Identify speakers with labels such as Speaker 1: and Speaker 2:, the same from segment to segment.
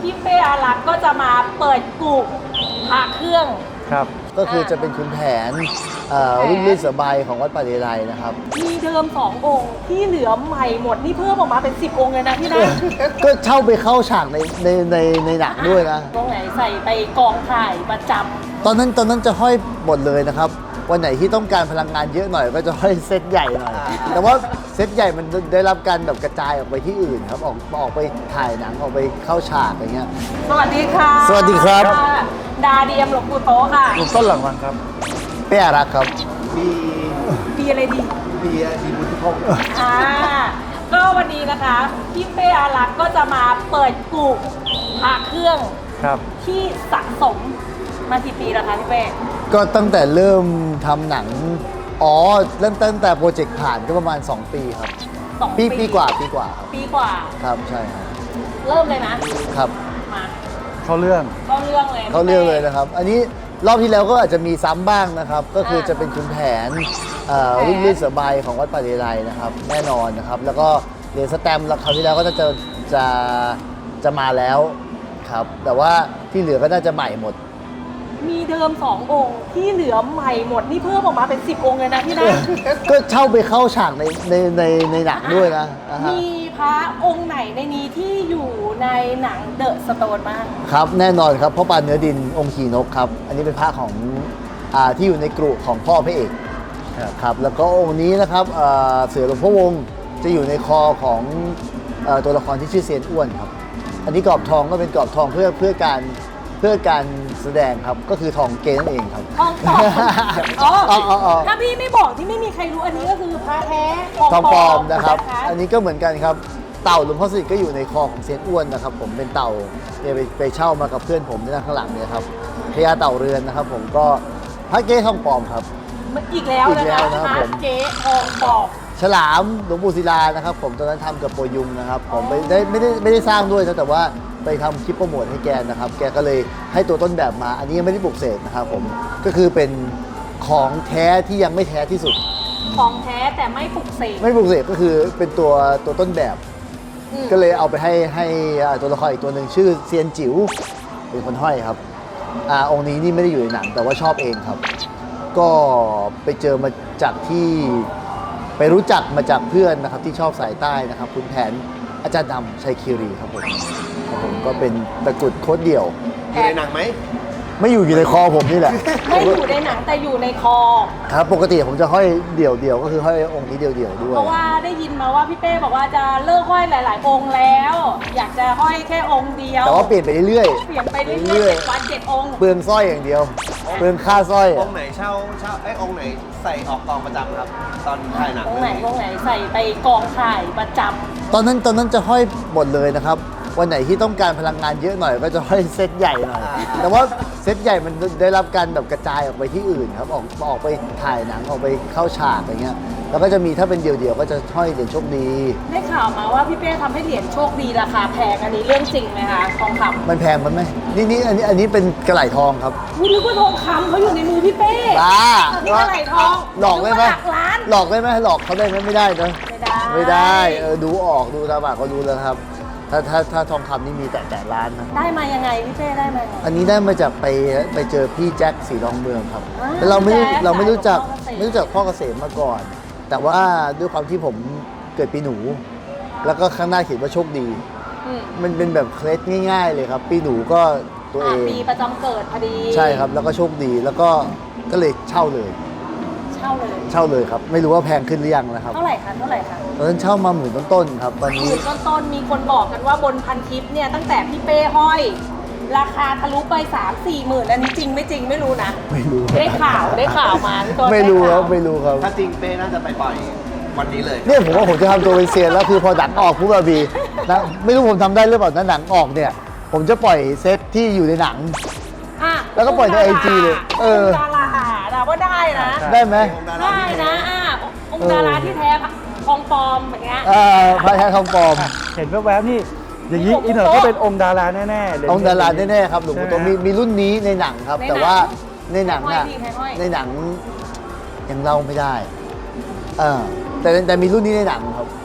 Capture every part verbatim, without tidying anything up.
Speaker 1: พี่เป้อารักษ์ก็จะมาเปิดกุพระเครื่อง
Speaker 2: ครับ
Speaker 3: ก็คือจะเป็นขุนแผนรุ่นลื่นเสือใบของวัดป่าเลไลนะครับ
Speaker 1: มีเดิมสององค์ที่เหลือใหม่หมดนี่เพิ่มออกมาเป็นสิบองค์เลยนะพี่นะ
Speaker 3: ก็เช่าไปเข้าฉากในในในในหนังด้วยนะ
Speaker 1: ตรงไหนใส่ไปกองถ่ายประจำ
Speaker 3: ตอนนั้นตอนนั้นจะห้อยหมดเลยนะครับวันไหนที่ต้องการพลังงานเยอะหน่อยก็จะห้อยเซตใหญ่หน่อยแต่ว่าเซตใหญ่มันได้รับการแบบกระจายออกไปที่อื่นครับออกออกไปถ่ายหนังออกไปเข้าฉากอะไรเงี้ย
Speaker 1: สวัสดีค่ะ
Speaker 3: สวัสดีครับ
Speaker 1: ดาเดียมหลวงปู่โตค่ะ
Speaker 2: หลวงต้นหลังวังครับ
Speaker 3: เป้อารักษ์ครับ
Speaker 4: มี
Speaker 1: ปีอะไรดี
Speaker 4: มีมีบุญทุกคน
Speaker 1: อ่าก็วันนี้นะคะพี่เป้อารักษ์ก็จะมาเปิดกุพระเครื่อง
Speaker 2: ครับ
Speaker 1: ที่สะสมมากี่ปีแล้วคะพี่เป้
Speaker 3: ก็ตั้งแต่เริ่มทำหนังอ๋อเริ่มตั้งแต่โปรเจกต์ผ่านก็ประมาณสองปีครับ
Speaker 1: สอง
Speaker 3: ปี
Speaker 1: ปี
Speaker 3: ปีกว่าปีกว่าครับ
Speaker 1: ปีกว่า
Speaker 3: ครับใช่ครับ
Speaker 1: เริ่มเลยนะครับมา
Speaker 2: เข้าเรื่อง
Speaker 1: เข้าเรื่องเลย
Speaker 3: เขาเรื่องเลยนะครับอันนี้รอบที่แล้วก็อาจจะมีซ้ำบ้างนะครับก็คือจะเป็นขุนแผนรุ่นลื่นเสือใบของวัดป่าเลไลนะครับแน่นอนนะครับแล้วก็เหรียญสแตมป์แล้วคราวที่แล้วก็จะจะจะจะมาแล้วครับแต่ว่าที่เหลือก็น่าจะใหม่หมด
Speaker 1: มีเดิมสององค์ที่เหลือใหม่หมดนี่เพิ่มออกมาเป็นสิบองค์เลยนะพี่นะ
Speaker 3: ก็เช่าไปเข้าฉากในในในในหนังด้วยนะ
Speaker 1: มีพระองค์ไหนในนี้ที่อยู่ในหนังเดอะสโตนบ้าง
Speaker 3: ครับแน่นอนครับพ่อปานเนื้อดินองค์ขี่นกครับอันนี้เป็นพระของอ่าที่อยู่ในกรุของพ่อพระเอกครับแล้วก็องค์นี้นะครับเสือหลวงพ่อวงจะอยู่ในคอของตัวละครที่ชื่อเซียนอ้วนครับอันนี้กรอบทองก็เป็นกรอบทองเพื่อเพื่อการเพื่อการแสดงครับก็คือทองเกนั่นเองครับ
Speaker 1: ทองปลอมอ๋อถ้าพี่ไม่บอกที่ไม่มีใครรู้อันนี้ก็คือพระแท้
Speaker 3: ทองปลอมนะครับอันนี้ก็เหมือนกันครับเต่าหลวงพ่อสนิทก็อยู่ในคอของเซียนอ้วนนะครับผมเป็นเต่าเนี่ยไปไปเช่ามากับเพื่อนผมที่นั่งข้างหลังเนี่ยครับพญาเต่าเรือนนะครับผมก็พระเก้ทองปลอมครับ
Speaker 1: อีกแล้วนะคะพระเก้ทองปลอม
Speaker 3: ฉลามหลวงปู่ศิลานะครับผมตอนนั้นทำกับโปรยุงนะครับผมไม่ได้ไม่ได้ไม่ได้สร้างด้วยนะแต่ว่าไปทำคลิปโปรโมทให้แกนะครับแกก็เลยให้ตัวต้นแบบมาอันนี้ยังไม่ได้ปลุกเสกนะครับผมก็คือเป็นของแท้ที่ยังไม่แท้ที่สุด
Speaker 1: ของแท้แต่ไม่ปลุกเสก
Speaker 3: ไม่ปลุกเสกก็คือเป็นตัวตัวต้นแบบก็เลยเอาไปให้ให้ตัวละครอีกตัวหนึ่งชื่อเซียนจิ๋วเป็นคนห้อยครับอ่าองค์นี้นี่ไม่ได้อยู่ในหนังแต่ว่าชอบเองครับก็ไปเจอมาจากที่ไปรู้จักมาจากเพื่อนนะครับที่ชอบสายใต้นะครับคุณแผนอาจารย์ดำชัยคีรีครับผมครับผมก็เป็นตะกรุดโคตรเดี่ยว
Speaker 4: อยู่ในหนังไหม
Speaker 3: ไม่อยู่อยู่ในคอผมนี่แหละ
Speaker 1: ไม่อยู่ในหนังแต่อยู่ในคอ
Speaker 3: ครับปกติผมจะห้อยเดี่ยวเดี่ยวก็คือห้อยองค์นี้เดี่ยวเดี่ยวด้วย
Speaker 1: เพราะว่าได้ยินมาว่าพี่เป้บอกว่าจะเลิกห้อยหลาย ๆ องค์แล้ว อยากจะห้อยแค่องค์เดียว
Speaker 3: แต่ว่าเปลี่ยนไปเรื่อย
Speaker 1: เปลี่ยนไปเรื่อยๆวันเจ็ดองค์
Speaker 3: เปลืองสร้อยอย่างเดียวเปลืองค่าสร้อย
Speaker 4: องค์ไหนเช่าเช่าไอ้องค์ไหนใส่ออกกองประจำครับตอนถ่ายหนัง
Speaker 1: องค์ไหนองค์ไหนใส่ไปกองถ่ายประจำ
Speaker 3: ตอนนั้นตอนนั้นจะห้อยหมดเลยนะครับวันไหนที่ต้องการพลังงานเยอะหน่อยก็จะห้อยเซตใหญ่หน่อยแต่ว่าเซตใหญ่มันได้รับการแบบกระจายออกไปที่อื่นครับออกออกไปถ่ายหนังออกไปเข้าฉากอะไรเงี้ยแล้วก็จะมีถ้าเป็นเดี่ยวๆก็จะห้อยเหรียญโชคดี
Speaker 1: ได้ข่าวมาว่าพี่เป้ทำให้เหรียญโชคดีราคาแพงอันนี้เรื่องจริงไหมคะทองคำ
Speaker 3: มันแพงมันไหมนี่นี่อันนี้อันนี้เป็นกระไหล่ทองครับ
Speaker 1: คุณนึกว่าทองคำเขาอยู่ในมือพี่เป้
Speaker 3: บ้า
Speaker 1: นี่กระไหล่ทอง
Speaker 3: หลอกได้ไหมหลอกได้ไหมหลอกเขาได้ไหมไม่ได้นะ
Speaker 1: ไม่ได้
Speaker 3: ไม่ได้เออดูออกดูตาบากก็ดูแล้วครับถ้าถ้าถ้าทองคำนี่มีแต่แต่ล้านนะ
Speaker 1: ได้มายังไงพี่เป้ได้มา
Speaker 3: อันนี้ได้มาจากไปไปเจอพี่แจ็คสีรองเมืองครับแต่เราไม่เราไม่รู้จักไม่รู้จักพ่อเกษมมาก่อนแต่ว่าด้วยความที่ผมเกิดปีหนูแล้วก็ข้างหน้าเขียนว่าโชคดีมันเป็นแบบเคล็ดง่ายๆเลยครับปีหนูก็ตัวเอง
Speaker 1: ปีประจำเกิดพอดี
Speaker 3: ใช่ครับแล้วก็โชคดีแล้วก็ก็เลยเช่าเลย
Speaker 1: เช่าเลย
Speaker 3: เช่าเลยครับไม่รู้ว่าแพงขึ้นหรือยังนะครับ
Speaker 1: เท่าไหร่คะเท่าไหร่คะ
Speaker 3: ตอนนั้นเช่ามาหมื่นต้นๆครับตอนนี้
Speaker 1: หมื่นต้นๆมีคนบอกกันว่าบนพันทิปเนี่ยตั้งแต่พี่เป้ห้อยราคาทะลุไปสามสี่หมื่นอันนี้จริงไม่จริงไม่รู้นะ
Speaker 3: ไม่รู้
Speaker 1: ได้ข่าวได้ข่าวมาพี่ต้น
Speaker 3: ไม่รู้ครับไม่รู้ครับ
Speaker 4: ถ้าจริงเป้น่าจะไปปล่อยวันนี้เลย
Speaker 3: เนี่ยผมว่าผมจะทำตัวเป็นเซียนแล้วคือพอหนังออกปุ๊บบีนะไม่รู้ผมทำได้หรือเปล่านะหนังออกเนี่ยผมจะปล่อยเซตที่อยู่ในหนังแล้วก็ปล่อยในไอจีเลย
Speaker 1: เออดาราแต่ว่าได้นะ
Speaker 3: ได้ไหม
Speaker 1: ได้นะอ่าองค์ดาราที่แท้ทองปลอมอย่างเงี้ย
Speaker 3: อ่าพระแท้ทองปลอม
Speaker 2: เห็นแวบๆนี่อย่างนี้อีเนอร์ก็เป็นองค์ดาราแน่ๆ
Speaker 3: องค์ดาราแน่ๆครับหลวงปู่โตมีมีรุ่นนี้ในหนังครับแต่ว่าในหนังน่ะในหนังยังเล่าไม่ได้เออแต่แต่มีรุ่นนี้ในหนังครับ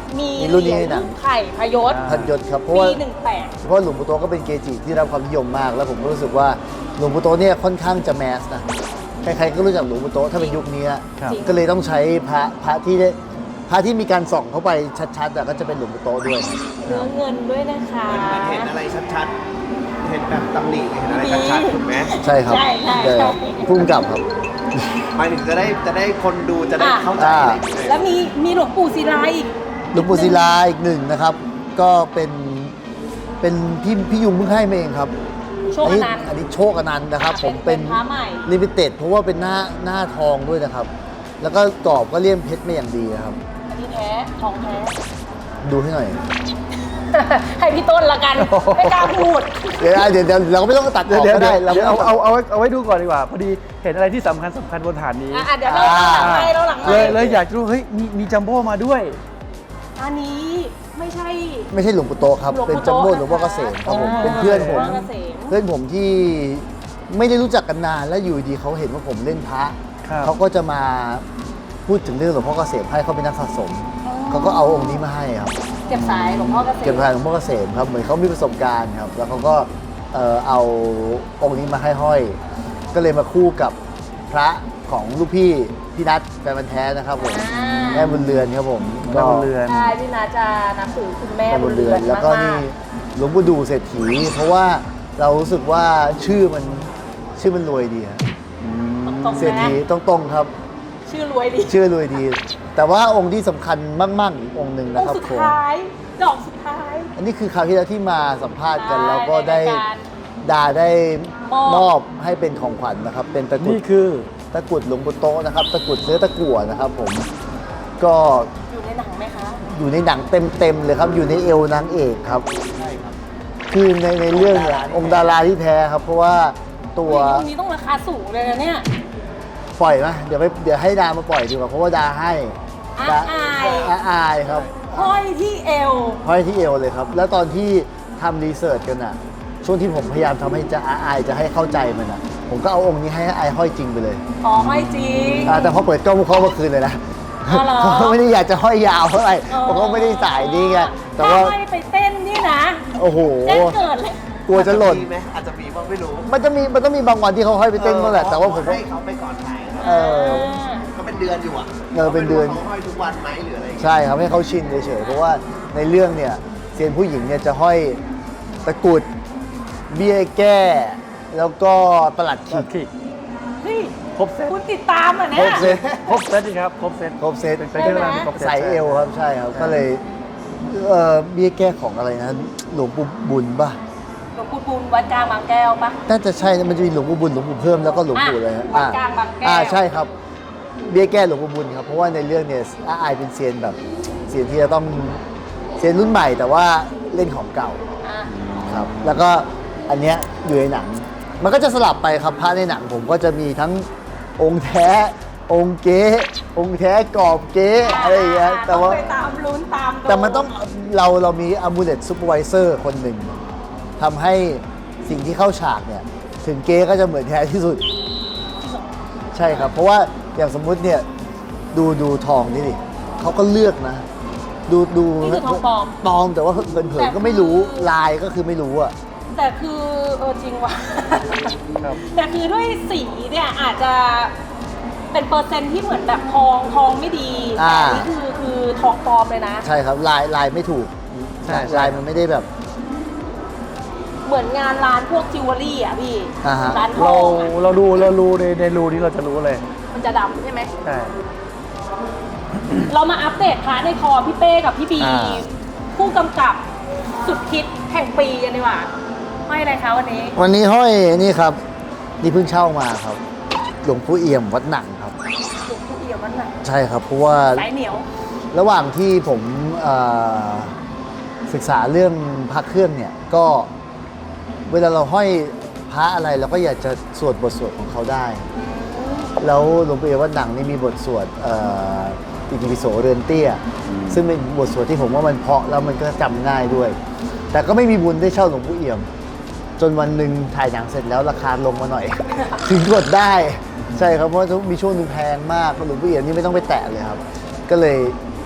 Speaker 1: มี
Speaker 3: มีรุ่นนี้
Speaker 1: เหรียญ
Speaker 3: นะ
Speaker 1: ไข่พยศ
Speaker 3: พันยศครับเพราะว่า
Speaker 1: ปีหนึ่งแปด
Speaker 3: เพราะหลวงปู่โตก็เป็นเกจิที่ได้รับความนิยมมาก แล้วผมก็รู้สึกว่าหลวงปู่โตเนี่ยค่อนข้างจะแมสนะใครๆก็รู้จักหลวงปู่โตถ้าเป็นยุคนี้
Speaker 2: ครับ
Speaker 3: ก็เลยต้องใช้พระพระที่ได้พระที่มีการส่องเข้าไปชัดๆอะก็จะเป็นหลวงปู่โตด้วย
Speaker 1: เนื้อเงินด้วยนะคะ
Speaker 4: มันมันเห็นอะไรชัดๆ เห็นแบบตำหนิเห็นอะไรชัดๆถูกไหม
Speaker 3: ใช่ครับ
Speaker 1: ใช่ใช่
Speaker 3: แต่
Speaker 1: ใช่
Speaker 3: พุ่งกลับครับ
Speaker 4: หมายถึงจะได้จะได้คนดูจะได้
Speaker 1: อ่ะ
Speaker 4: เข้าใจ
Speaker 3: อ่า
Speaker 4: อะไรอย่างเงี้ย
Speaker 1: แล้วมีมีหลวงปู่ศิลาอีก
Speaker 3: หลวงปู่ศิลาอีกหนึ่งนะครับ ก็เป็นเป็นพี่พี่ยุงเพิ่งให้มาเองครับ
Speaker 1: โชค
Speaker 3: อัน
Speaker 1: อ
Speaker 3: นี้
Speaker 1: นันต์
Speaker 3: อันนี้โชคอนันต์นะครับ ผมเป็น
Speaker 1: พระใหม่
Speaker 3: ลิมิเต็ดเพราะว่าเป็นหน้าหน้าทองด้วยนะครับ แล้วก็กรอบก็เลี่ยมเพชรมาอย่างดีนะครับ
Speaker 1: อันนี้แท้ทองแท้
Speaker 3: ดูให้หน่อย
Speaker 1: ให้พี่ต้นละกัน ไม่กล้าพูด
Speaker 3: เดี๋ยวเดี๋ยวเดี๋ยวเราก็ไม่ต้องตัดอ
Speaker 2: เดี๋ยว
Speaker 3: อก
Speaker 2: เดี๋ยว
Speaker 3: ก็ได้เรา
Speaker 2: เดี๋
Speaker 3: ไม่
Speaker 2: ยว
Speaker 3: ต้
Speaker 2: เอา
Speaker 3: อง
Speaker 2: เอาเอาไว้เอาไว้ดูก่อนดีกว่า พอดีเห็นอะไรที่สำคัญสำคัญบนฐานนี้
Speaker 1: อ่ะเดี๋ยวเราหลังไมค์เราหลังไม
Speaker 2: เลย
Speaker 1: ค์
Speaker 2: เลยอยากรู้เฮ้ยมีมีจัมโบ้มาด้วย
Speaker 1: อันนี้ไม่ใช่
Speaker 3: ไม่ใช่หลวงปู่โตครับ
Speaker 1: หลวงปู่
Speaker 3: เป็นจัมโบ้
Speaker 1: โต
Speaker 3: หลวงพ่อเกษมครับผม
Speaker 2: อ๋อ
Speaker 3: เป็นเพื่อนผม
Speaker 1: หลวงพ่อเกษม
Speaker 3: เพื่อนผมที่ไม่ได้รู้จักกันนานแล้วอยู่ดีเขาเห็นว่าผมเล่นพระ
Speaker 2: ครับ
Speaker 3: เขาก็จะมาพูดถึงเรื่องหลวงพ่อเกษมให้เขาเป็นนักสะสม เขาก็เอาองค์นี้มาให้ครับ
Speaker 1: เก็บสายหลวงพ่อเกษม
Speaker 3: เก็บพายหลวงพ่อเกษมครับเหมือนเขามีประสบการณ์ครับ แล้วเขาก็เอ่อเอาองค์นี้มาให้ห้อย ก็เลยมาคู่กับพระของลูกพี่พี่นัทแฟนพันธุ์แท้นะครับผม
Speaker 1: อ่า
Speaker 3: แม่บุญเรือนครับผม
Speaker 2: แม่บุญเรือน
Speaker 1: ใช่พี่นาจะนับถือคุณแม่
Speaker 3: แม่
Speaker 1: บุ
Speaker 3: บุ
Speaker 1: ญ
Speaker 3: ญ
Speaker 1: เรื
Speaker 3: เรื
Speaker 1: อ
Speaker 3: อน นแล้วก็
Speaker 1: มา
Speaker 3: นี่
Speaker 1: ก
Speaker 3: หลวงปู่ดูเศรษฐี เพราะว่าเรารู้สึกว่าชื่อมันชื่อมันรวยดีครับ
Speaker 1: ๆตรงๆ
Speaker 3: เศรษ
Speaker 1: นะ
Speaker 3: ฐีต้องตรงครับ
Speaker 1: ชื่อรวยดี
Speaker 3: ชื่อรวยดี แต่ว่าองค์ที่สำคัญมากๆอีกองค์หนึ่ง
Speaker 1: อ
Speaker 3: นะ
Speaker 1: ง
Speaker 3: ครับ
Speaker 1: ค์สุด
Speaker 3: ผม
Speaker 1: ท้าย ดอกสุดท้าย
Speaker 3: อันนี้คือคราวที่แล้วที่มาสัมภาษณ์กัน
Speaker 1: ใช่
Speaker 3: แล้วก็ได้
Speaker 1: ในรายการ
Speaker 3: ดาได้
Speaker 1: มอบ
Speaker 3: มอบให้เป็นของขวัญนะครับ เป็นตะกรุ
Speaker 2: นี่
Speaker 3: ด
Speaker 2: คือ
Speaker 3: ตะกรุดหลวงปู่โตะนะครับ ตะกรุดเนื้อตะกั่วนะครับผมก็
Speaker 1: อยู่ในหนังไหมคะ
Speaker 3: อยู่ในหนังเต็มๆเลยครับ อยู่ในเอวนางเอกครับ
Speaker 4: ใช่ครับ
Speaker 3: คือในในเรื่องเนี่ยองค์ดาราที่แท้ครับ เพราะว่าตัว
Speaker 1: ตรงนี้ต้องราคาสูงเลยนะเนี่ย
Speaker 3: ปล่อยไหมเดี๋ยวไปเดี๋ยวให้ดามาปล่อยดีกว่าเพราะว่าดาให้
Speaker 1: อา
Speaker 3: ดา
Speaker 1: อาย
Speaker 3: อาอายครับ
Speaker 1: ห้อยที่เอว
Speaker 3: ห้อยที่เอวเลยครับ แล้วตอนที่ทำรีเสิร์ชกันอ่ะ ช่วงที่ผมพยายามทำให้จะอาอายจะให้เข้าใจมันอ่ะ ผมก็เอาองค์นี้ให้อายห้อยจริงไปเลย
Speaker 1: อ๋อห้อยจริง
Speaker 3: อ่าแต่พอเปิดกล้องเขาเมื่อคืนเลยนะ
Speaker 1: อ๋อเหรอ
Speaker 3: เขาไม่ได้อยากจะห้อยยาวเท่าไหร่เพราะเขาไม่ได้สายดีไงแต่ว่า
Speaker 1: ถ้ห้อยไปเต้นนี่นะ
Speaker 3: โอ้โห
Speaker 1: แจ้งเกิดเลย
Speaker 3: กลัวจะหล่น
Speaker 4: อาจมีไหมอาจจะมีบ้างไม่รู้
Speaker 3: มันจะมีมันต้องมีบางวันที่เขาห้อยไปเต้นบ้างแหละแต่ว่าผมก็
Speaker 4: ให้เขาไปก่อนถ่ายครับ
Speaker 3: เออ
Speaker 4: ก็เป็นเดือนอยู่อ่ะ
Speaker 3: เออเป็นเดือน
Speaker 4: ขาห้อยทุกวันไหมหรืออะไรอย่างเงี้ย
Speaker 3: ใช่ครับให้เขาชินเฉยๆเพราะว่าในเรื่องเนี่ยเซียนผู้หญิงเนี่ยจะห้อยตะกรุดเบี้ยแก้ แล้วก็ประหลัด
Speaker 2: ตั
Speaker 3: ขิ
Speaker 2: ด
Speaker 3: ก
Speaker 2: ขิก
Speaker 1: เฮ้ย
Speaker 2: ครบเซต
Speaker 1: คุณติดตามเหรอ่ะ
Speaker 3: คร
Speaker 1: เนี่ย
Speaker 3: บเซต
Speaker 2: ครบเซตดีครับ ครบเซต
Speaker 3: ครบเซต
Speaker 2: เป็นเป็นเครื่องรางครบเซต
Speaker 3: ใส่เอวครับใช่ครับ ก็เลยเอ่อเบี้ยแก้ของอะไรนะหลวงปู่บุญป่ะ
Speaker 1: หลวงปู่บุญวัดกลางบางแก้วปะ
Speaker 3: น่าจะใช่นะมันจะมีหลวงปู่บุญหลวงปู่เพิ่มแล้วก็หลวงปู่อะไรฮะ
Speaker 1: วัดกลางบางแก้ว
Speaker 3: อ่าใช่ครับ เบี้ยแก้หลวงปู่บุญครับเพราะว่าในเรื่องเนี่ยอาอายเป็นเซียนแบบเซียนที่จะต้องเซียนรุ่นใหม่แต่ว่าเล่นของเก่า
Speaker 1: อ่ะ
Speaker 3: ครับแล้วก็อันเนี้ยอยู่ในหนัง มันก็จะสลับไปครับพระในหนังผมก็จะมีทั้งองค์แท้ องค์เก๊องค์แท้กรอบเก๊อะไรอย่างเงี้ยแต่ว่า
Speaker 1: องไปตามลุ้นตามดู
Speaker 3: แต่มันต้องเราเรามีอ m u l e t supervisor คนหนึ่งทำให้สิ่งที่เข้าฉากเนี่ย ถึงเก๊ก็จะเหมือนแท้ที่สุด ใช่ครับ เพราะว่าอย่างสมมุติเนี่ยดูดูทองนี่ดิเขาก็เลือกนะ ดูดู
Speaker 1: นี่คือทองปลอม
Speaker 3: ปลอมแต่ว่าเผินๆก็ไม่รู้ลายก็คือไม่รู้อะ
Speaker 1: แต่คือเออจริงว่ะ
Speaker 2: ครับ
Speaker 1: แต่คือด้วยสีเนี่ยอาจจะเป็นเปอร์เซ็นต์ที่เหมือนแบบทองทองไม่ดีแต่อันนี้คือคือทองปลอมเลยนะ
Speaker 3: ใช่ครับลายลายไม่ถูก
Speaker 2: ใช่ใช่
Speaker 3: ลายมันไม่ได้แบบ
Speaker 1: เหมือนงานร้านพวกจิวเวลรี่อ่ะพี่
Speaker 3: อ่าฮะ
Speaker 1: ร้านท
Speaker 2: เรา
Speaker 1: องอะ
Speaker 2: เราดูเราดูในในรูนี้เราจะรู้เลย
Speaker 1: มันจะดำใช่ไหม
Speaker 2: ใช่
Speaker 1: เรามาอัปเดตพาร์ทในคอพี่เป้กับพี่บี
Speaker 2: อ่า
Speaker 1: ผู้กำกับสุดฮิตแห่งปีกันดีกว่าไม่อะไรคะวันนี้
Speaker 3: วันนี้ห้อยนี่ครับ นี่เพิ่งเช่ามาครับ หลวงปู่เอี่ยมวัดหนังครับ
Speaker 1: หลวงปู่เอี่ยมวันไหน
Speaker 3: ใช่ครับ เพราะว่า
Speaker 1: สายเหนียว
Speaker 3: ระหว่างที่ผมเอ่อศึกษาเรื่องพระเครื่องเนี่ย ก็เวลาเราห้อยพระอะไรเราก็อยากจะสวดบทสวดของเขาได้ แล้วหลวงปู่เอี่ยมวัดหนังนี่มีบทสวดเอ่ออิติปิโสเรือนเตี้ย ซึ่งเป็นบทสวดที่ผมว่ามันเพราะแล้วมันก็จำง่ายด้วย แต่ก็ไม่มีบุญได้เช่าหลวงปู่เอี่ยม จนวันหนึ่งถ่ายหนังเสร็จแล้วราคาลงมาหน่อย ถึงกดได้ ใช่ครับเพราะว่ามีช่วงหนึงแพงมากหลวงปู่เอี่ยมนี่ไม่ต้องไปแตะเลยครับ ก็เลย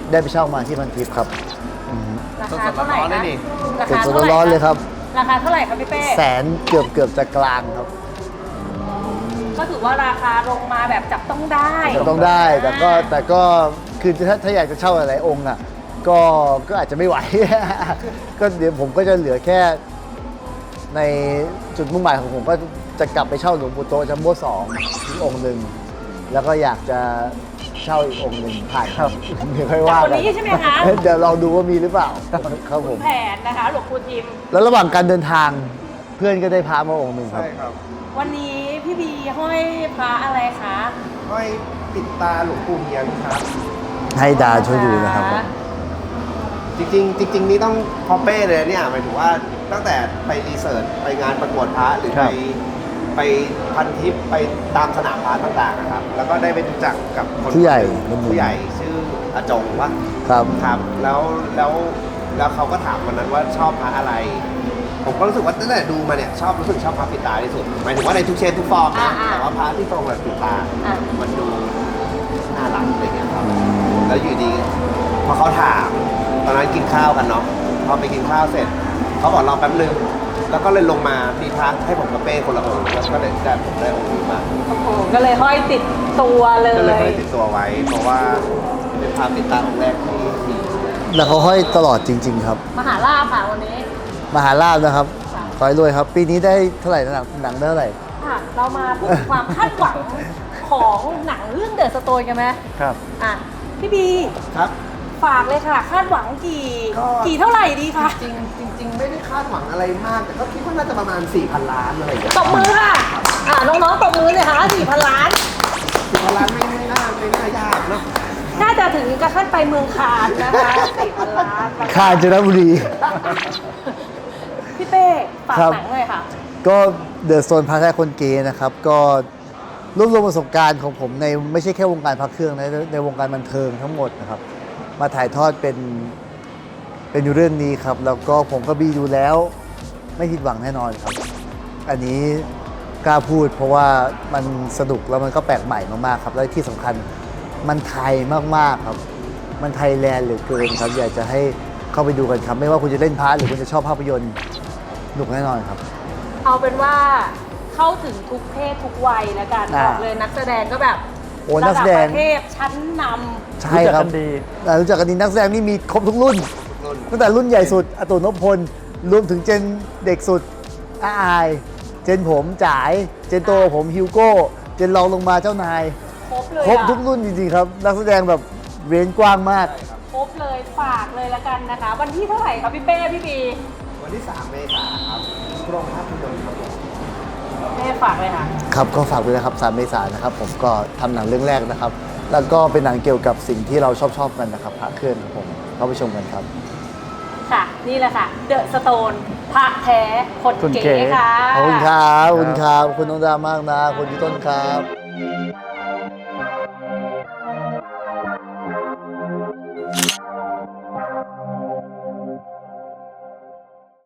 Speaker 3: ได้ไปเช่ามาที่พันทิพย์ครับ
Speaker 1: ราคาเท่าไหร่
Speaker 4: สดๆร้อนๆเลย
Speaker 1: คะ
Speaker 4: นี่
Speaker 1: รา
Speaker 3: เป็น
Speaker 1: คา
Speaker 3: สด
Speaker 1: เท่าไหร่
Speaker 3: ร้อนๆเลยครับ
Speaker 1: ราคาเท่าไหร่ครับพี่เป้
Speaker 3: แสนเกือบเกือบจะกลางครับ
Speaker 1: ก็ถือว่าราคาลงมาแบบจับต้องได้
Speaker 3: ต้องได้แต่ก็แต่ก็คือถ้าถ้าอยากจะเช่าหลายๆองค์อ่ะก็ก็อาจจะไม่ไหว ก็เดี๋ยวผมก็จะเหลือแค่ในจุดมุ่งหมายของผมก็จะกลับไปเช่าหลวงปู่โตะจัมโบ้สองอีกองค์หนึ่งแล้วก็อยากจะเช่าอีกองค์หนึ่งผ่านครับเดี๋ยวค่อยว่า
Speaker 1: จากคน
Speaker 3: กัน
Speaker 1: นี้ใช่ไหมคะ
Speaker 3: เดี๋ยวลองดูว่ามีหรือเปล่าครับผม
Speaker 1: แผนนะคะหลวงปู่ทิม
Speaker 3: แล้วระหว่างการเดินทางเพื่อนก็ได้พามาองค์หนึ่งครับ
Speaker 4: ใช่ครับ
Speaker 1: วันนี้พี่บีห้อยพระอะไรคะ
Speaker 4: ห้อยปิดตาหลวงปู่เฮียนครับ
Speaker 3: ให้ดาช่วยดูนะครับผม
Speaker 4: จริงๆจริง ๆ นี่ต้องพอเป้เลยเนี่ยหมายถึงว่าตั้งแต่ไปรีเสิร์ชไปงานประกวดพระหรือ
Speaker 3: ครั
Speaker 4: ไป
Speaker 3: บ
Speaker 4: ไปพันทิปไปตามสนามพระต่างๆนะครับ แล้วก็ได้ไปรู้จักกับคน
Speaker 3: ผู้ใหญ่
Speaker 4: ผู้ใหญ่ชื่ออาจงว่า
Speaker 3: ครับ
Speaker 4: ครับแล้วแล้วแล้วเขาก็ถามวันนั้นว่าชอบพระอะไร ผมก็รู้สึกว่าตั้งแต่ดูมาเนี่ยชอบรู้สึกชอบพระปิดตาที่สุดหมายถึงว่าในทุกเชนทุกฟอร์มนะแต่ว่าพระที่ทรงแบบปิดตา
Speaker 1: อ่ะ
Speaker 4: มันดูน่ารักอะไรเงี้ยครับ แล้วอยู่ดีพอเขาถามตอนนั้นกินข้าวกันเนาะพอไปกินข้าวเสร็จเขาบอกรอแป๊บนึงแล้วก็เลยลงมามีพระให้ผมกับเป้คนละองค์แล้วก็เลยได้ผมได้องค์นี้มา
Speaker 1: โอ้โหก็เลยห้อยติดตัวเล
Speaker 4: ก็เลย
Speaker 1: ย
Speaker 4: ไม่ได้ติดตัวไว้ เพราะว่าเป็นพระปิดตาองค์แรกที่มี
Speaker 3: แล้วเขาห้อยตลอดจริง ๆ ครับ
Speaker 1: มหาลาภค่ะวันนี้
Speaker 3: มหาลาภนะครับ
Speaker 1: ค่ะ
Speaker 3: ขอให้รวยครับ ปีนี้ได้เท่าไหร่นะหนังหนังได้เท่าไหร่
Speaker 1: ค่ะเรามาพูดถึงความคาดหวังของหนังเรื่องเดอะสโตนกันไหม
Speaker 2: ครับ
Speaker 1: อ่ะพี่บี
Speaker 4: ครับ
Speaker 1: ฝากเลยค่ะ คาดหวังกี่
Speaker 4: ก็
Speaker 1: กี่เท่าไหร่ดีคะ
Speaker 4: จริงๆจริง ๆ ไม่ได้คาดหวังอะไรมาก แต่ก็คิดว่าน่าจะประมาณ 4,000 ล้านอะไรอย่างเงี้ย
Speaker 1: ตบมือค่ะ อ่ะน้องๆตบมือเลยค่ะสี่พันล้าน
Speaker 4: สี่พันล้านไม่ไม่น่าไม่น่ายากเนาะ
Speaker 1: น่าจะถึงกระทั่งไปเมืองคานนะคะสี่พันล้าน
Speaker 3: คาญจนบุรี
Speaker 1: พี่เป้ฝาก
Speaker 3: ครับ
Speaker 1: หนังเลยค่ะ
Speaker 3: ก็เดอะโซนพาแท้คนเกย์นะครับ ก็รวบรวมประสบการณ์ของผมในไม่ใช่แค่วงการพระเครื่องนะในในวงการบันเทิงทั้งหมดนะครับ มาถ่ายทอดเป็นเป็นเรื่องนี้ครับ แล้วก็ผมก็บีดูแล้วไม่ผิดหวังแน่นอนครับ อันนี้กล้าพูดเพราะว่ามันสนุกแล้วมันก็แปลกใหม่มากๆครับ และที่สำคัญมันไทยมากๆครับ มันไทยแลนด์เหลือเกินครับ อยากจะให้เข้าไปดูกันครับ ไม่ว่าคุณจะเล่นพาร์ทหรือคุณจะชอบภาพยนตร์สนุกแน่นอนครับ
Speaker 1: เอาเป็นว่าเข้าถึงทุกเพศทุกวัยแล้วกัน
Speaker 3: อ่า
Speaker 1: บอกเลยนักแสดงก็แบบ
Speaker 3: โอ้นักแสดง
Speaker 1: ระประเทศชั้นน
Speaker 3: ใช่ครับ
Speaker 2: รู้จักกันดี
Speaker 3: อ่ารู้จักกันดีนักแสดงนี่มีครบทุกรุ่น
Speaker 4: รุ่น
Speaker 3: ตั้งแต่รุ่นใหญ่สุดอาตุนพพล รวมถึงเจนเด็กสุดอาอาย เจนผมจ๋าย เจนโตผมฮิวโก้ เจนรองลงมาเจ้านาย
Speaker 1: ำครบเลย
Speaker 3: ครบ
Speaker 1: อะ
Speaker 3: ทุกรุ่นจริงๆครับ นักแสดงแบบเรนจ์กว้างมาก
Speaker 1: ครบเลยฝากเลยละกันนะคะ วันที่เท่าไหร่คะพี่เป้พี่บี
Speaker 4: วันที่ สาม เมษายนครับโรงภาพยนตร์ครับผม
Speaker 1: เป้ฝากเลยค่ะ
Speaker 3: ครับก็ฝากด้วยนะครับสามเมษายนนะครับ ผมก็ทำหนังเรื่องแรกนะครับ แล้วก็เป็นหนังเกี่ยวกับสิ่งที่เราชอบชอบๆกันนะครับพระเครื่องครับผมเข้าไปชมกันครับ
Speaker 1: ค่ะ นี่แหละค่ะ เดอะสโตนพระแท้คน
Speaker 2: คนเก๋
Speaker 1: เก๋ค่ะ
Speaker 3: ขอบคุณครับขอบคุณครับขอบคุณน้องดามากนะขอบคุณพี่ต้นครับ